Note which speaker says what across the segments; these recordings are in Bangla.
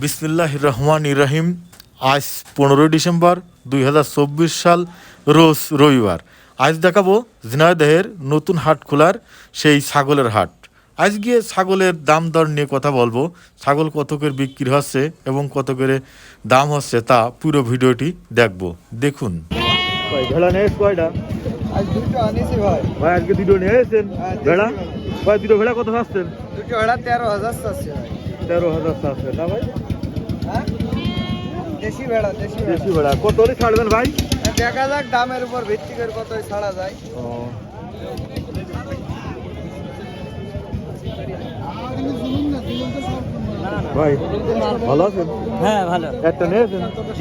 Speaker 1: বিসমিল্লাহির রহমানির রহিম। আজ 15 ডিসেম্বর 2024 সাল, রোজ রবিবার। আজ দেখাবো ঝিনাইদহের নতুন হাট খোলার সেই ছাগলের হাট। আজ গিয়ে ছাগলের দাম দর নিয়ে কথা বলবো। ছাগল কত করে বিক্রি হচ্ছে এবং কত করে দাম হচ্ছে তা পুরো ভিডিওটি দেখবো, দেখুন। ভেড়া নিয়ে কয়টা?
Speaker 2: আজ দুটো আনিছি ভাই।
Speaker 1: ভাই আজকে দুটো নিয়ে এসেছেন ভেড়া? ভাই দুটো ভেড়া কত পাচ্ছেন?
Speaker 2: দুটো ভেড়া 13,000 চাচ্ছে ভাই।
Speaker 1: 13,000 চাচ্ছে না ভাই?
Speaker 2: হ্যাঁ, দেশি ভেড়া, দেশি
Speaker 1: দেশি ভেড়া কত হলে ছাড়বেন ভাই?
Speaker 2: দেখা যাক দামের উপর ভিত্তি করে কত ছাড়া যায়।
Speaker 1: ভাই ভালো আছেন?
Speaker 2: হ্যাঁ ভালো।
Speaker 1: একটা নিয়েছেন?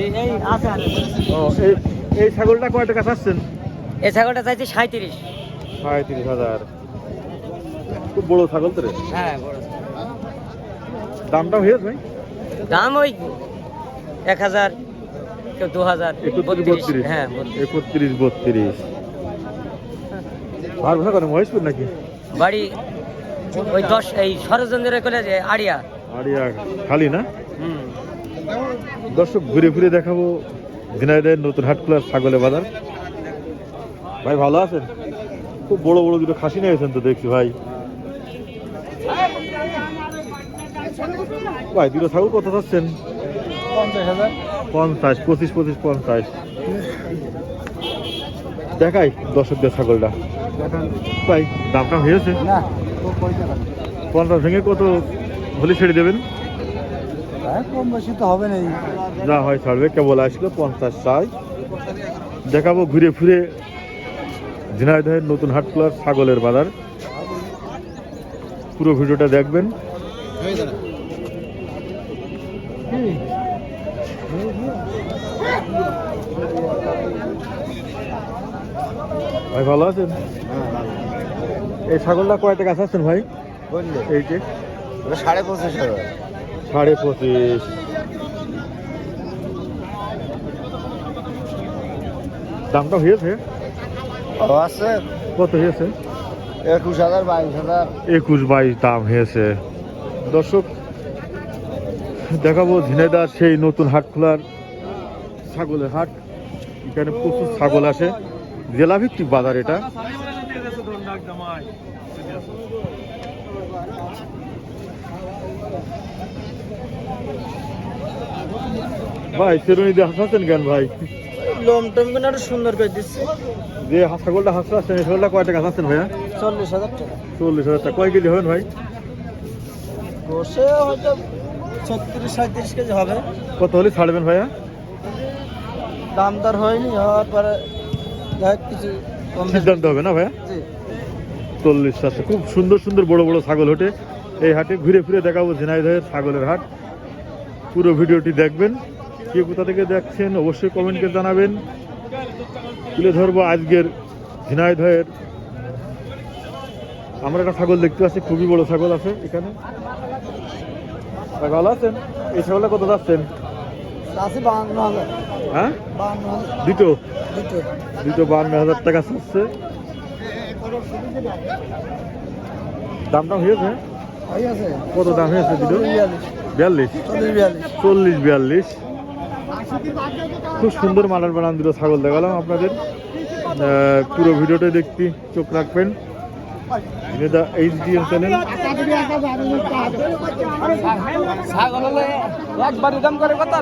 Speaker 1: এই ছাগলটা কয় টাকা চাচ্ছেন?
Speaker 2: এই ছাগলটা চাইছি 37।
Speaker 1: 37,000। খুব বড় ছাগল তো রে।
Speaker 2: হ্যাঁ বড়।
Speaker 1: দামটা হয়েছে ভাই?
Speaker 2: দাম ওই 1,000, কেউ 2,000,
Speaker 1: 31-32।
Speaker 2: হ্যাঁ
Speaker 1: 31-32। ভাড়া ভাড়া করেন মহেশপুর নাকি?
Speaker 2: বাড়ি ওই 10 এই সরজন্দ্রের কোলে যে আড়িয়া।
Speaker 1: আড়িয়া খালি না? দর্শক ঘুরে ঘুরে দেখাবো ঝিনাইদহের নতুন হাট খোলার ছাগলের বাজার। ভাই ভালো আছেন? খুব বড় বড় দুটো খাসি নিয়েছেন তো দেখছি ভাই। ভাই দুটো ছাগল কত চাচ্ছেন?
Speaker 2: 50,000।
Speaker 1: 50, 25, 50। দেখাই দর্শকদের ছাগলটা। ভাই দামটা হয়েছে?
Speaker 2: না
Speaker 1: 50 ভেঙে কত হলে ছেড়ে দেবেন?
Speaker 2: কম বেশি তো হবে না।
Speaker 1: যা হয় ছাড়বে, কেবল আসলো 50 চাই। দেখাবো ঘুরে ফিরে ঝিনাইদহের নতুন হাট খোলার ছাগলের বাজার। পুরো ভিডিওটা দেখবেন। ভাই ভালো আছেন? এই ছাগলটা কয় টাকা চাচ্ছেন ভাই? এই যে
Speaker 2: 25,500।
Speaker 1: 25.5। দামটা হয়েছে?
Speaker 2: আছে
Speaker 1: কত হয়েছে?
Speaker 2: 21,000, 22,000।
Speaker 1: 21-22 দাম হয়েছে। দর্শক দেখাবো ঝিনাইদহ সেই নতুন হাট খোলার ছাগলের হাট। এখানে প্রচুর ছাগল আসে, জেলা ভিত্তিক বাজার এটা। ভাই সেরুনি দিয়ে হাসাচ্ছেন কেন ভাই?
Speaker 2: লোম টোম গুলো আরো সুন্দর করে দিচ্ছে।
Speaker 1: যে ছাগলটা হাসাচ্ছেন এই ছাগলটা কয় টাকা হাসাচ্ছেন ভাইয়া?
Speaker 2: 40,000 টাকা।
Speaker 1: 40,000 টাকা। কয় কেজি হবেন ভাই?
Speaker 2: বসে হয়তো 36-37 কেজি হবে।
Speaker 1: কত হলে ছাড়বেন ভাইয়া?
Speaker 2: দাম দর হয়নি, হওয়ার পরে দেখ কিছু কম বেশি।
Speaker 1: সিদ্ধান্ত হবে না ভাইয়া?
Speaker 2: জি।
Speaker 1: 40 আছে। খুব সুন্দর সুন্দর বড় বড় ছাগল ওঠে এই হাটে। ঘুরে ফিরে দেখাবো ঝিনাইদহের ছাগলের হাট। পুরো ভিডিওটি দেখবেন। কে কোথা থেকে দেখছেন অবশ্যই কমেন্টে জানাবেন। তুলে ধরবো আজকের ঝিনাইদহের। আমরা একটা ছাগল দেখতে পাচ্ছি, খুবই বড় ছাগল আছে এখানে। ভালো আছেন? এই ছাগলটা কত যাচ্ছেন?
Speaker 2: আছে 52,000।
Speaker 1: হ্যাঁ
Speaker 2: 52,000
Speaker 1: দুটো
Speaker 2: দুটো।
Speaker 1: 52,000 টাকা চাচ্ছে। দামটা হয়েছে?
Speaker 2: হই আছে।
Speaker 1: কত দাম হয়েছে দুটো? 42, 40-42। খুব সুন্দর মালার বানান দুটো ছাগল দেখালাম আপনাদের। পুরো ভিডিওটা দেখতে চোখ রাখবেন। এটা HDM চ্যানেল।
Speaker 2: ছাগল হলে একবার দাম করে কত?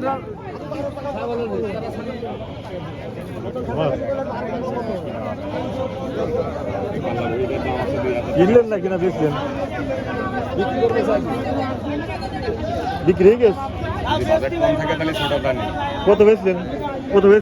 Speaker 1: কিনলেন না কিনা বেচলেন? বিক্রি হয়ে গেছে? কত বেচলেন? কত বেচলেন?